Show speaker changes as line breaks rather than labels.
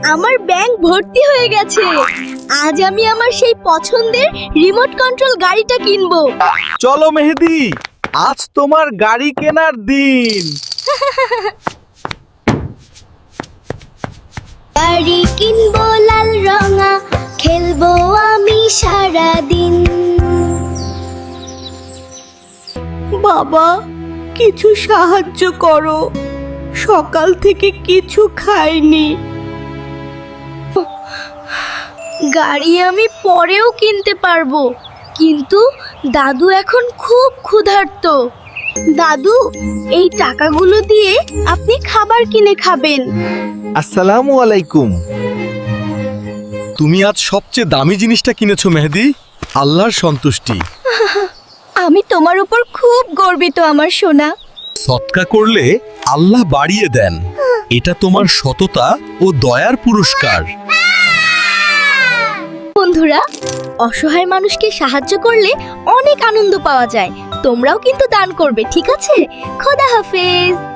আমার ব্যাংক ভর্তি হয়ে গেছে। আজ আমি আমার সেই পছন্দের রিমোট কন্ট্রোল গাড়িটা কিনবো।
চলো মেহেদি, আজ তোমার গাড়ি কেনার দিন।
গাড়ি কিনবো লাল রঙা, খেলবো আমি সারা দিন।
বাবা, কিছু সাহায্য করো, সকাল থেকে কিছু খাইনি।
গাড়ি আমি পরেও কিনতে পারবো, কিন্তু দাদু এখন খুব ক্ষুধার্ত। দাদু, এই টাকাগুলো দিয়ে আপনি খাবার কিনে খাবেন।
আসসালামু আলাইকুম। তুমি আজ সবচেয়ে দামি জিনিসটা কিনেছো মেহেদি। আল্লাহর সন্তুষ্টি।
আমি তোমার উপর খুব গর্বিত আমার সোনা।
সৎকা করলে আল্লাহ বাড়িয়ে দেন। এটা তোমার সততা ও দয়ার পুরস্কার।
বন্ধুরা, অসহায় মানুষকে সাহায্য করলে অনেক আনন্দ পাওয়া যায়। তোমরাও কিন্তু দান করবে, ঠিক আছে? খোদা হাফেজ।